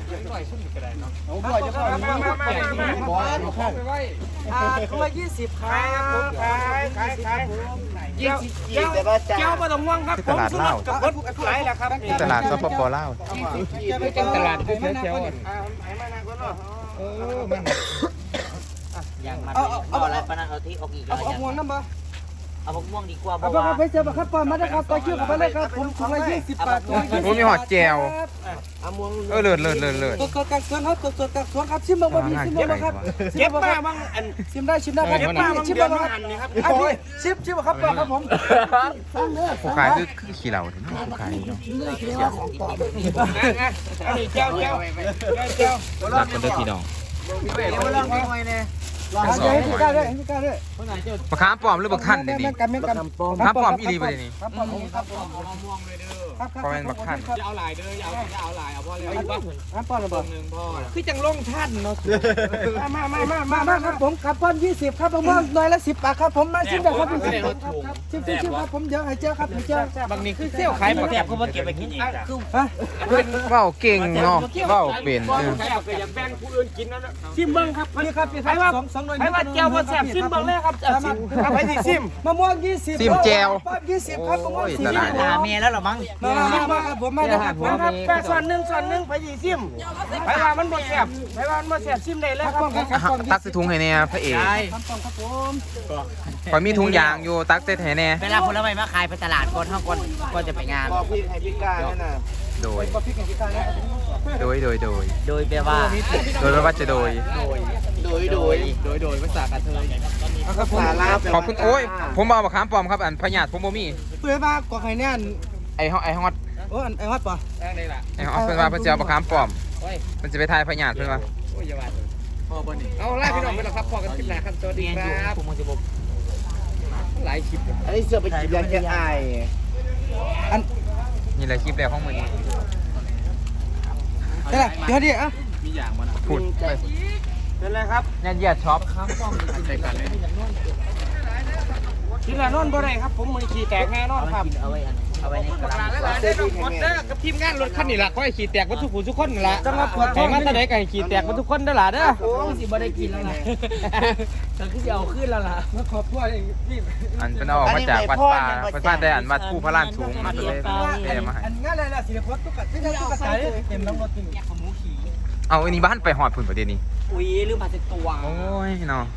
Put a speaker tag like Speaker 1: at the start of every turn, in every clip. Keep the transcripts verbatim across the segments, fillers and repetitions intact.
Speaker 1: หน่อยขึ้นก็ได้เนาะ
Speaker 2: เอาด้วยจะเข้ามามามามาบอลเข้าไปไว้อ่าคนละยี่สิบครับผมขายขายขายยี่สิบยี่แต่ว่าจ้าเจ้าไม่ต้องห่วงครับผมสมัครกับรถหลายแล้วครับ
Speaker 3: ตลาดสปปลาว
Speaker 1: เป็นตลาดเที่ยวเที่ยว
Speaker 2: เออมัน
Speaker 4: อย่างมันเอาอะไรปะนะเอาที่ออกอีกแล้วเอาม่วงน้ำบ่เอาพวกม่วงดีกว่า
Speaker 2: เอาไปไปเจอครับปอนมาได้ครับต่อคิวกับไปเลยครับผมถุงละยี่สิบบาท
Speaker 3: ผมมีหอดแจวเออเลิศเลิศเลิศเลิศ
Speaker 2: ตัวตัวกักสวนครับตัวตัวกักสวนครับชิมบ้างบ่มีชิมบ้างครับเก็บป้าบ้างอันชิมได้ชิมได้ครับป้าชิมบ้างครับอันนี้ชิมชิมครับป้าครับผม
Speaker 3: ผู้ขายคือคือขี้เหล่าถึงผู้ขายเนาะ
Speaker 1: อันนี้เจ้าเจ้าเจ้า
Speaker 3: หลักคนเดียวพี่น้อง
Speaker 2: ลองให้พี่ก้าด้วยพี่ก้าด้วย
Speaker 3: ปลาคาร์ปลอมหรือปลาท่านนี่ปลาคาร์ปลอมอีรีไปเลยนี่
Speaker 2: ครับปลอมครับปลอม
Speaker 1: เอาม่วงเลยเด้อ
Speaker 2: ครับ
Speaker 3: เพราะเป็นปลาท่าน
Speaker 1: จะเอาหลายเด้อเอาจะเอาหลายเอาพอแล้วอยู่ป่ะ
Speaker 2: ครับปลอมระเบิด
Speaker 1: หนึ่งพ่อ
Speaker 2: คือจังลงท่านเนาะมามามามามาครับผมครับปลอมยี่สิบครับผมหน่อยละสิบบาทครับผมมาชิมได้ครับชิมชิมชิมครับผมเยอะให้เจ้าครับให้เจ้า
Speaker 1: บางนี้คือเซี่ยวขายหมดแซ่บเขามาเก็บไปกินอีก
Speaker 2: คือฮะ
Speaker 3: เว้าเก่งเนาะเว้าเป็น
Speaker 1: เอออยากแบ่งผู้อื่นกินนั่นน่ะซิมเบิ้งครับ
Speaker 2: นี่ครับใครว่าสองหน่วย
Speaker 1: ใครว่าแก้วบ่แซ่บซิมเบิ้งเลยครับซิมครับไปสิซิม
Speaker 2: มะม่วงยี่สิบ
Speaker 3: ซิมแจว
Speaker 2: ยี่สิบครับมะม่วงสี่สิบ
Speaker 4: ตาเมียแล้วหรอมั้ง
Speaker 2: มามาครับผมมาเลยครับผมครับ
Speaker 1: แปดส่วนหนึ่งส่วนหนึ่งไปสิซิมใครว่ามันบ่แซ่บใครว่ามันบ่แซ่บซิมได้เลยครับ
Speaker 3: ตักใส่ถุงให้แน่พระเอก
Speaker 2: ครับครับผม
Speaker 3: พอมีถุงยางอยู่ตักใส่ให้แน่
Speaker 4: เวลาผลไม้มาขายไปตลาดก่อนเท่าก่อนก่อนจะไปงาน
Speaker 2: บอกพี่ให้พี่ก้านั่นน่ะ
Speaker 3: โดยโดยโดยโดย
Speaker 4: โดยแปลว่า
Speaker 3: โดยแปลว่าจะโดย
Speaker 2: โดยโดยโดยโดยภาษากระเทยภาษาลาว
Speaker 3: ขอบคุณโอ้ยผมเอามะขามป้อมครับอันพญาติผมบ่มี
Speaker 2: เพื่อว่ากว่าใครเนี่ย
Speaker 3: ไอ้ฮอตไอ้ฮอต
Speaker 2: โอ้ไอ้ฮอตป่ะ
Speaker 1: ได้ล่ะ
Speaker 3: ไอ้ฮอตเพิ่นว่าเพิ่นจะเอามะขามป้อมมันจะไปทายพญาติเพิ่นว่า
Speaker 1: โอ้ยอย่าว่าพ่อบ่นี่เอาไล่พี่น้องไปแล้วครับพ่อกันขึ้นแล้วครับสวัสดีครับผมจะบอกหลายคลิป
Speaker 2: อันนี้เสือไปกินยาแก้ไออัน
Speaker 3: นี่แหละคลิปแรกของมื้อนี้
Speaker 2: ได้เดี๋ยวดิอ่ะ
Speaker 1: มีอย่างบ่น่ะ
Speaker 3: พูดไป
Speaker 1: เป็นไรครับ
Speaker 3: ยันเยียดช็อป
Speaker 1: ครับป้อมใส่กันเลยกินแล้วนอนบ่ได้ครับผมมื้อนี้ขี้แตกแน่นอนครับ
Speaker 4: เอาไว้เอาไว้ในกระดาษ
Speaker 1: หลายๆได้ดอกหมดเด้อกับทีมงานรถคันนี้ล่ะขอให้ขี้แตกบ่ทุกผู้ทุกคนนั่นล่ะ
Speaker 2: จังหวะปวดท้
Speaker 1: ให้
Speaker 2: อง
Speaker 1: มาแต่ใดก็ให้ขี้แตกบ่ทุกคนเด้อล่ะเด้อ
Speaker 4: โอ้สิบ่ได้กินแล้วล่ะแต่คือสิเอาขึ้นแล้วล่ะ
Speaker 2: มาขอบพ่อเองพี่
Speaker 3: อันเป็นเอาออกมาจากวัดป่าวัดป่าแต่อันวัดผู้พระลานสูงมาเลยแม่มาให้
Speaker 2: อันงั้นอะไรล่ะสิริพจน์ตุ๊กตาที่ได้ตุ๊กตาเต็มน้ำรถจริง
Speaker 3: เอาอันนี้บ้านไปหอดพุ่นประเดี๋ยวนี้
Speaker 4: อุ้ยลืมมาเสร็จตัว
Speaker 3: โอ้ยเนาะ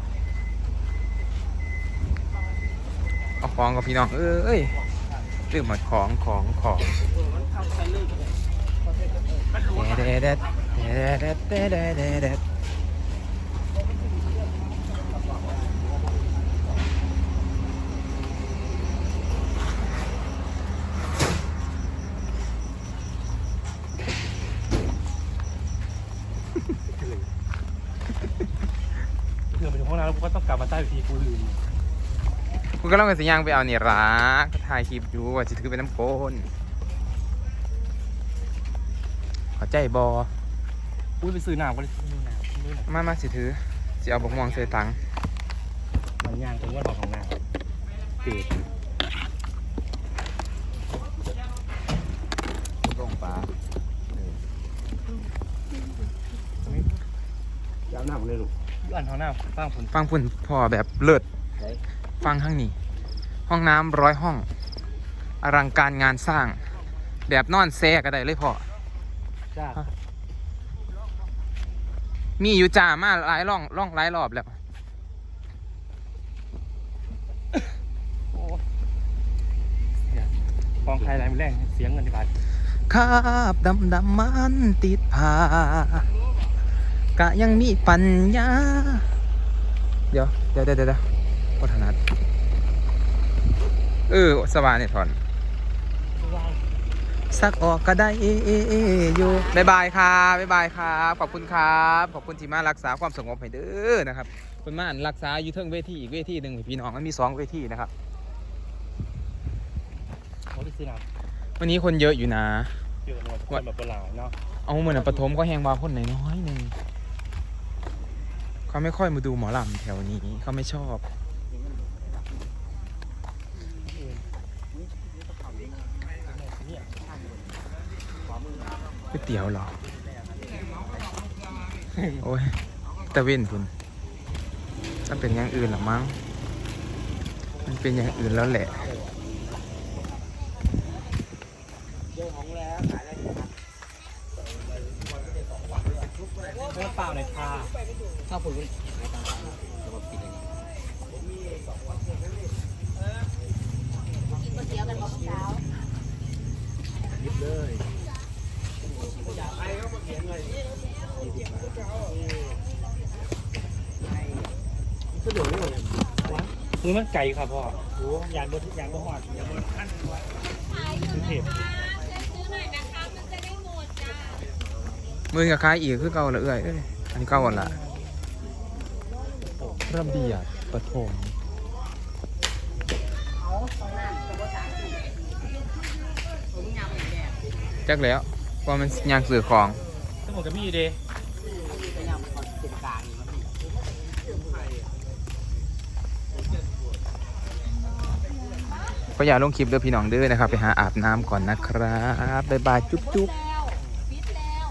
Speaker 3: เอาของกับพี่น้องเอ้ยลืมหมดของของของเด็ดเด็ดเด็ดเด็ดเด็ดเด็ดเด็ด
Speaker 1: เพื่อไปถึงห้องน้ำแล้วกูก็ต้องกลับมาใต้ทีกูลืม
Speaker 3: กูก็ต้องกันสิย่างไปเอาเนี่ยรักถ่ายคลิปอยู่ว่าจะถือเป็นน้ำโกนขอใจบอ
Speaker 1: อุ้ยไปซื้อน้ำก็ได้
Speaker 3: มามาสิถือสิเอาบกม่วงใส่ตัง
Speaker 1: มันย่างตรงว่าดอกของน้ำเปิด
Speaker 3: ลงปลา
Speaker 1: ย้ำน้ำเลยลูกย้อนท้องน้ำฟังผุน
Speaker 3: ฟังพุ่นพอแบบเลิศฟังข้างนี้ห้องน้ำร้อยห้องอลังการงานสร้างแบบนอนแซ่ก็ได้เลยพ่อมีอยู่จ่ามาหลายร่องร่องหลายรอบแล้ว
Speaker 1: กองไทยไรมันแรงเสียงเงินที่บาท
Speaker 3: คาบดำดำมันติดผากะยังมีปัญญาเดี๋ยวเดี๋ยวเดี๋ยวเดี๋ยววัฒนัทเออสว่างเนี่ยถอนสักออกก็ได้อยู่บายบายครับบายบายครับขอบคุณครับขอบคุณที่มารักษาความสงบให้เด้อนะครับคุณมารักษาอยู่เทิงเวทีอีกเวทีหนึ่งพี่น้องมันมีสองเวทีนะครับวันนี้คนเยอะอยู่นะ
Speaker 1: เยอะเลยคนแบบเปล่าเนาะ
Speaker 3: เอาเหมือนปฐมก็แหงวาคนไหนน้อยหนึ่งเขาไม่ค่อยมาดูหมอลำแถวนี้เขาไม่ชอบก๋วยเตี๋ยวเหรอโอ้ยตะเว้นคุณมันเป็นอย่างอื่นหรอมั้งมันเป็นอย่างอื่นแล้วแหละ
Speaker 2: เปล่าเลยค่ะข้าวปุ๋ยคือมันไก่ครับพ่อโอ้ยานบนยานบนหอดยานบนขั้นคือเทป
Speaker 3: มือกับคล้ายอีกคือเก่าละเอื้อยเอ้ยอันนี้เก่าหมดละระเบียบปฐมจักแล้วว่ามันยางสื่อของ
Speaker 2: ทั้งหมดก็มีเด้
Speaker 3: ก็อย่าลงคลิปเด้อพี่น้องเด้อนะครับไปหาอาบน้ำก่อนนะครับบ๊ายบายจุ๊บจุ๊บ